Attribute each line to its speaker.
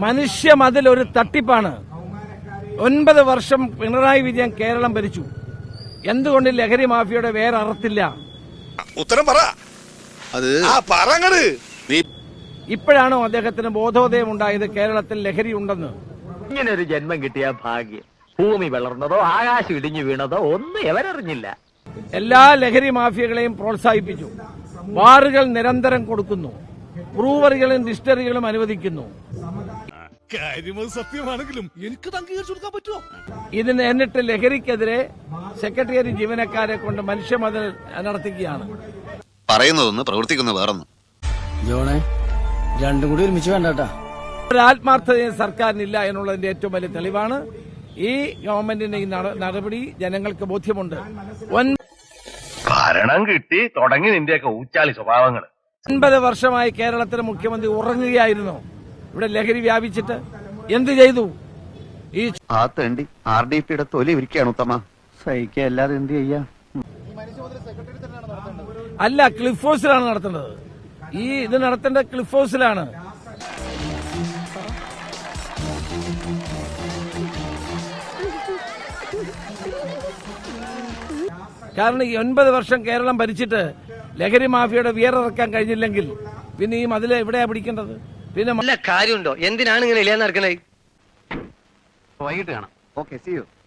Speaker 1: മനുഷ്യ മതിൽ ഒരു തട്ടിപ്പാണ്. 9 വർഷം പിണറായി വിജയൻ കേരളം ഭരിച്ചു. എന്തുകൊണ്ട് ലഹരി മാഫിയയുടെ വേറെ അറത്തില്ല?
Speaker 2: ഉത്തരം പറ.
Speaker 1: ഇപ്പോഴാണോ അദ്ദേഹത്തിന് ബോധോദയം ഉണ്ടായത് കേരളത്തിൽ ലഹരി ഉണ്ടെന്ന്?
Speaker 3: ഇങ്ങനെ ഒരു ജന്മം കിട്ടിയ ഭാഗ്യം. ഭൂമി വളർന്നതോ ആകാശം ഇടിഞ്ഞു വീണതോ ഒന്നും എവരറിഞ്ഞില്ല.
Speaker 1: എല്ലാ ലഹരി മാഫിയകളെയും പ്രോത്സാഹിപ്പിച്ചു. ബാറുകൾ നിരന്തരം കൊടുക്കുന്നു. ബ്രൂവറികളും ഡിസ്റ്ററികളും അനുവദിക്കുന്നു.
Speaker 2: സത്യമാണെങ്കിലും എനിക്ക് അംഗീകരിച്ചു കൊടുക്കാൻ പറ്റുമോ?
Speaker 1: ഇതിന് എന്നിട്ട് ലഹരിക്കെതിരെ സെക്രട്ടേറിയറ്റ് ജീവനക്കാരെ കൊണ്ട് മനുഷ്യമതിൽ നടത്തുകയാണ്.
Speaker 4: പറയുന്നതൊന്ന് പ്രവർത്തിക്കുന്ന വേറൊന്നും.
Speaker 5: ജോണേ, രണ്ടും കൂടി ഒരുമിച്ച് വേണ്ടാ.
Speaker 1: ഒരു ആത്മാർത്ഥതയും സർക്കാരിനില്ല എന്നുള്ളതിന്റെ ഏറ്റവും വലിയ തെളിവാണ് ഈ ഗവൺമെന്റിന്റെ ഈ നടപടി. ജനങ്ങൾക്ക് ബോധ്യമുണ്ട്.
Speaker 3: ഭരണം കിട്ടി തുടങ്ങി നിന്റെയൊക്കെ ഊച്ചാളി സ്വഭാവങ്ങൾ.
Speaker 1: 9 വർഷമായി കേരളത്തിലെ മുഖ്യമന്ത്രി ഉറങ്ങുകയായിരുന്നു. ഇവിടെ ലഹരി വ്യാപിച്ചിട്ട് എന്ത് ചെയ്തു? ഈ
Speaker 4: ആ തേണ്ടി RDPയുടെ തൊലി ഇരിക്കുകയാണ് ഉത്തമ. സഹിക്കല്ലാതെ എന്ത് ചെയ്യാ?
Speaker 1: അല്ല, ക്ലിഫ് ഹൗസിലാണ് നടത്തേണ്ടത്. ഇത് നടത്തേണ്ടത് ക്ലിഫ് ഹൗസിലാണ്. കാരണം ഈ 9 വർഷം കേരളം ഭരിച്ചിട്ട് ലഹരി മാഫിയയുടെ വിയറിറക്കാൻ കഴിഞ്ഞില്ലെങ്കിൽ പിന്നെ ഈ മതില് എവിടെയാ പിടിക്കേണ്ടത്? പിന്നെ
Speaker 6: കാര്യമുണ്ടോ? എന്തിനാണ് ഇങ്ങനെ ഇല്ലാന്ന് നടക്കണേ?
Speaker 4: വൈകിട്ട് കാണാം. Okay, see U.